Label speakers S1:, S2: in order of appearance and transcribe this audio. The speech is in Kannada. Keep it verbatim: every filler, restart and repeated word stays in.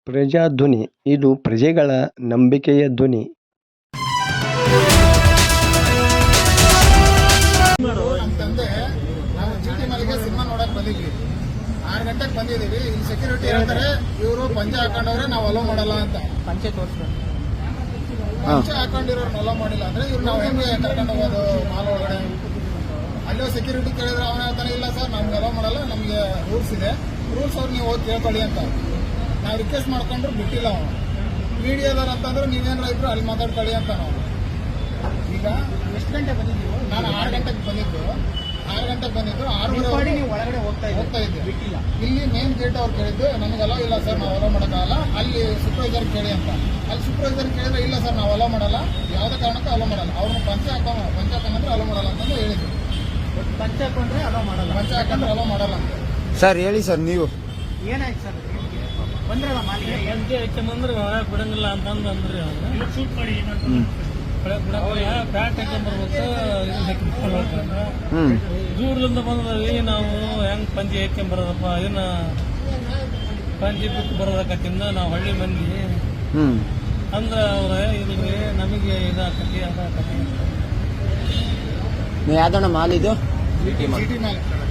S1: ಪ್ರಜಾಧ್ವನಿ ಇದು ಪ್ರಜೆಗಳ ನಂಬಿಕೆಯ ಧ್ವನಿ.
S2: ನಮ್ಮ ತಂದೆ ನಾವು ಚೀಟಿ ಮಲ್ಲಿಗೆ ಸಿನಿಮಾ ನೋಡಕ್ ಬಂದಿದ್ವಿ. ಆರು ಗಂಟೆಗೆ ಬಂದಿದ್ದೀವಿ. ಇಲ್ಲಿ ಸೆಕ್ಯೂರಿಟಿ ಹೇಳ್ತಾರೆ ಇವರು ಪಂಚೆ ಹಾಕೊಂಡವ್ರೆ ನಾವು ಅಲೋ ಮಾಡಲ್ಲ ಅಂತ.
S3: ಪಂಚೆ ತೋರಿಸ್ತಾರೆ.
S2: ಪಂಚೆ ಹಾಕೊಂಡಿರೋರ್ನ ಅಲೋ ಮಾಡಿಲ್ಲ ಅಂದ್ರೆ ಇವ್ರು ನಾವು ಹೆಂಗೆ ಕರ್ಕೊಂಡು ಹೋಗೋದು ಮಾಲ್ ಒಳಗಡೆ? ಅಲ್ಲೋ ಸೆಕ್ಯೂರಿಟಿ ಕೇಳಿದ್ರೆ ಅವನ ಹೇಳ್ತಾನೆ ಇಲ್ಲ ಸರ್ ನಮ್ಗೆ ಅಲೋ ಮಾಡಲ್ಲ, ನಮಗೆ ರೂಲ್ಸ್ ಇದೆ, ರೂಲ್ಸ್ ಅವ್ರು ನೀವು ಹೋಗಿ ಕೇಳ್ಕೊಳ್ಳಿ ಅಂತ. ನಾವು ರಿಕ್ವೆಸ್ಟ್ ಮಾಡ್ಕೊಂಡ್ರು ಬಿಟ್ಟಿಲ್ಲ ಅವನು. ಮೀಡಿಯಾದವ್ರು ಅಂತಂದ್ರೆ ನೀವೇನಾರ ಇದ್ರು ಅಲ್ಲಿ ಮಾತಾಡ್ಕೊಳ್ಳಿ ಅಂತ ನಾವು. ಈಗ
S3: ಎಷ್ಟು ಗಂಟೆ ಬಂದಿದ್ದೀವಿ?
S2: ನಾನು ಆರು ಗಂಟೆಗೆ ಬಂದಿದ್ದು ಆರು ಗಂಟೆಗೆ ಬಂದಿದ್ದು ಆರೂವರೆ
S3: ನೀವು ಒಳಗಡೆ ಹೋಗ್ತಾ
S2: ಹೋಗ್ತಾ ಇದ್ದೆ.
S3: ಬಿಟ್ಟಿಲ್ಲ.
S2: ಇಲ್ಲಿ ಮೇನ್ ಗೇಟ್ ಅವ್ರು ಕೇಳಿದ್ದು ನಮಗೆ ಅಲೋ ಇಲ್ಲ ಸರ್ ನಾವು ಅಲೋ ಮಾಡೋಕ್ಕಾಗಲ್ಲ, ಅಲ್ಲಿ ಸೂಪರ್ವೈಸರ್ ಕೇಳಿ ಅಂತ. ಅಲ್ಲಿ ಸೂಪರ್ವೈಸರ್ ಕೇಳಿದ್ರೆ ಇಲ್ಲ ಸರ್ ನಾವು ಅಲೋ ಮಾಡಲ್ಲ, ಯಾವುದೇ ಕಾರಣಕ್ಕೂ ಅಲೋ ಮಾಡಲ್ಲ, ಅವ್ರನ್ನ ಪಂಚೆ ಹಾಕೋ ಪಂಚೆ ಹಾಕೊಂಡ್ರೆ ಅಲೋ ಮಾಡಲ್ಲ ಅಂತಂದು ಹೇಳಿದ್ರು.
S3: ಪಂಚೆ ಹಾಕೊಂಡ್ರೆ ಅಲೋ ಮಾಡಲ್ಲ.
S2: ಪಂಚೆ ಹಾಕೊಂಡ್ರೆ ಅಲೋ ಮಾಡಲ್ಲ ಅಂತ.
S4: ಸರ್ ಹೇಳಿ ಸರ್, ನೀವು
S3: ಏನಾಯ್ತು ಸರ್? ಬಂದ್ರಲ್ಲ ಮಾಲಿಗೆ
S5: ಎಂಟು ಹೆಚ್ಚಂದ್ರೆ ಒಳಗೆ ಬಿಡಂಗಿಲ್ಲ ಅಂತಂದು ಅಂದ್ರಿ ಶೂಟ್ ಮಾಡಿ ಪ್ಯಾಂಟ್ ಹಾಕೊಂಡ್ಬರ್ಬೇಕು.
S4: ಹ್ಮ್
S5: ದೂರದಿಂದ ಬಂದ್ರಿ ನಾವು ಹೆಂಗ್ ಪಂಚಿ ಹಾಕೊಂಬರೋದಪ್ಪ, ಇದನ್ನ ಪಂಚಿ ಬಿಟ್ಟು ಬರೋದಕ್ಕತ್ತಿಂದ ನಾವು ಹಳ್ಳಿ ಮಂದಿ
S4: ಹ್ಮ್
S5: ಅಂದ್ರ ಅವ್ರ ಇಲ್ರಿ ನಮಗೆ ಇದಾಕತಿ ಅದಾಕತಿ.
S4: ಯಾವ್ದಣ್ಣ ಮಾಲ್ ಇದು?
S2: ಚೀಟಿ ಮೇಲೆ